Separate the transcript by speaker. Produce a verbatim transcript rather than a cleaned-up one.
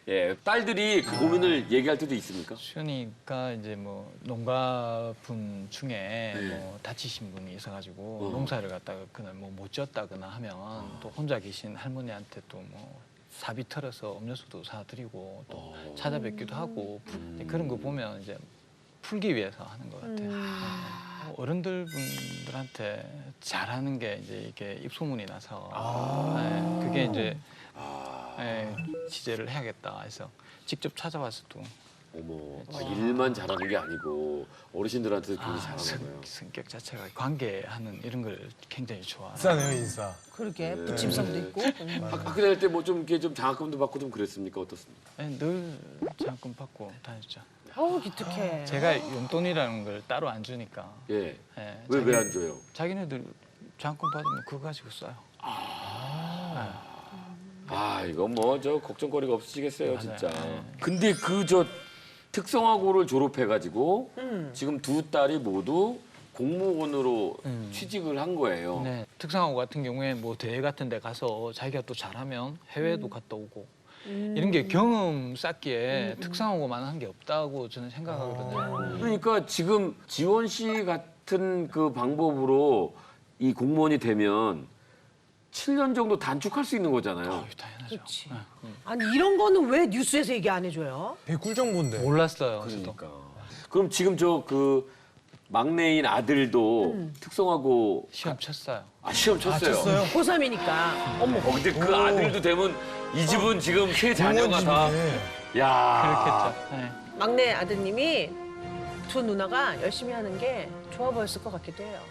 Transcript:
Speaker 1: 예, 딸들이 그 고민을 얘기할 때도 있습니까?
Speaker 2: 시연이가 이제 뭐 농가분 중에
Speaker 1: 네.
Speaker 2: 뭐 다치신 분이 있어가지고
Speaker 1: 어.
Speaker 2: 농사를 갖다가 그날 뭐 못 지었다거나 하면 또 혼자 계신 할머니한테 또 뭐 사비 털어서 음료수도 사드리고 또
Speaker 1: 어.
Speaker 2: 찾아뵙기도 하고
Speaker 1: 음.
Speaker 2: 그런 거 보면 이제 풀기 위해서 하는 것 같아요. 네. 어른들 분들한테 잘하는 게 이제 이게 입소문이 나서 네, 그게 이제
Speaker 1: 아,
Speaker 2: 네, 취재를 해야겠다 해서 직접 찾아와서 또
Speaker 1: 어머, 아, 일만 잘하는 게 아니고 어르신들한테도 굉장히
Speaker 2: 아,
Speaker 1: 잘하는
Speaker 2: 성,
Speaker 1: 거예요.
Speaker 2: 성격 자체가 관계하는 이런 걸 굉장히 좋아해요.
Speaker 3: 인싸네요, 인싸.
Speaker 4: 그러게
Speaker 1: 네.
Speaker 4: 부침성도 있고.
Speaker 1: 학- 학교 다닐 때 뭐 좀 이렇게 좀 장학금도 받고 좀 그랬습니까? 어떻습니까?
Speaker 2: 네, 늘 장학금 받고 다녔죠.
Speaker 4: 어우 기특해.
Speaker 2: 제가 용돈이라는 걸 따로 안 주니까
Speaker 1: 예.
Speaker 2: 네,
Speaker 1: 왜
Speaker 2: 자기-
Speaker 1: 왜 안 줘요?
Speaker 2: 자기네들 장학금 받으면 그거 가지고 써요.
Speaker 1: 아, 이거 뭐 저 걱정거리가 없으시겠어요,
Speaker 2: 맞아요.
Speaker 1: 진짜.
Speaker 2: 네.
Speaker 1: 근데 그 저 특성화고를 졸업해가지고
Speaker 4: 음.
Speaker 1: 지금 두 딸이 모두 공무원으로
Speaker 2: 음.
Speaker 1: 취직을 한 거예요.
Speaker 2: 네, 특성화고 같은 경우에 뭐 대회 같은 데 가서 자기가 또 잘하면 해외도 갔다 오고 이런 게 경험 쌓기에 특성화고만 한 게 없다고 저는 생각하거든요.
Speaker 1: 그러니까 지금 지원 씨 같은 그 방법으로 이 공무원이 되면 칠 년 정도 단축할 수 있는 거잖아요.
Speaker 2: 아유, 당연하죠.
Speaker 4: 그렇지.
Speaker 2: 네.
Speaker 4: 아니 이런 거는 왜 뉴스에서 얘기 안 해줘요?
Speaker 3: 되게 꿀 정보인데.
Speaker 2: 몰랐어요. 저도.
Speaker 1: 그러니까. 그럼 지금 저 그 막내인 아들도 특성화고
Speaker 2: 시험 쳤어요.
Speaker 1: 아, 시험 쳤어요.
Speaker 3: 쳤어요?
Speaker 4: 고삼이니까. 어머.
Speaker 1: 어, 근데 그
Speaker 3: 오.
Speaker 1: 아들도 되면 이 집은 지금 세 자녀가 다.
Speaker 3: 공무원집이네.
Speaker 1: 야.
Speaker 2: 그렇겠죠. 네.
Speaker 4: 막내 아드님이 두 누나가 열심히 하는 게 좋아 보였을 것 같기도 해요.